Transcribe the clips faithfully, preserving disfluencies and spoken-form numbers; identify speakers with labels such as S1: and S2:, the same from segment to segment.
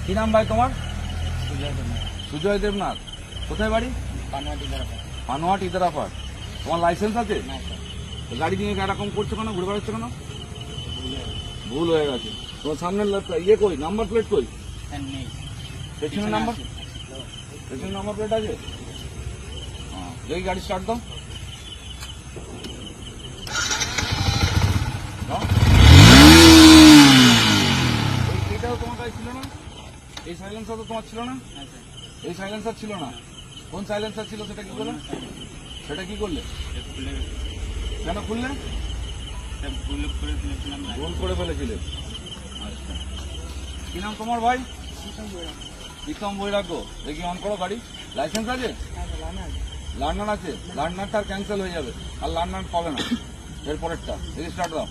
S1: কি নাম ভাই তোমার?
S2: সুজয় দেবনাথ।
S1: সুজয় দেবনাথ। কোথায় বাড়ি?
S2: পানোয়াট ইদারাপাড়।
S1: পানোয়াট ইদারাপাড়। তোমার লাইসেন্স আছে?
S2: না স্যার,
S1: তো গাড়ি নিয়ে এরকম করছো কেন, ঘুরে বেড়াচ্ছ কেন?
S2: ভুলে গেছে।
S1: ভুল হয়ে গেছে। তোমার সামনের লা- ইয়ে কই, নাম্বার প্লেট কই?
S2: স্যার নেই।
S1: পেছনের নাম্বার, পেছনের নাম্বার প্লেট আছে? হ্যাঁ, দেখি গাড়ি স্টার্ট দাও। দাও। এই- এইটাও তোমার কাছে ছিল না? এই সাইলেন্সার তো তোমার ছিল না?
S2: হ্যাঁ স্যার।
S1: এই সাইলেন্সার ছিল না? কোন সাইলেন্সার ছিল সেটা কি করলে? সেটা কি করলে?
S2: স্যার ভুলে গেছে।
S1: কেন খুললে?
S2: স্যার ভুল করে ফেলেছিলাম।
S1: ভুল করে ফেলেছিলে। আচ্ছা, কি নাম তোমার ভাই? প্রীতম বৈরাগ্য। দেখি অন করো গাড়ি। লাইসেন্স আছে? লার্নার আছে? লার্নারটা ক্যান্সেল হয়ে যাবে, আর লার্নার পাবে না এরপরেরটা। দেখি স্টার্ট দাও।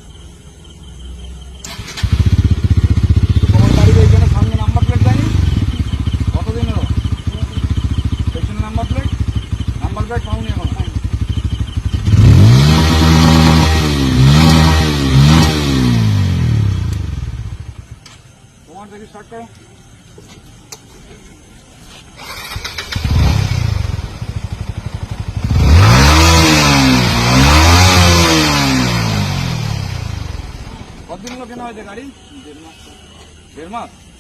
S1: তোমার গাড়ির এইখানে সামনে নাম্বার প্লেট দেয়নি? কতদিনেরও? পেছনে নাম্বার প্লেট, নাম্বার প্লেট পাওনি এখন? তোমার দেখি স্টার্ট করো। কতদিন হলো কেনা হয়েছে গাড়ি?
S2: দেড় মাস।
S1: দেড় মাস।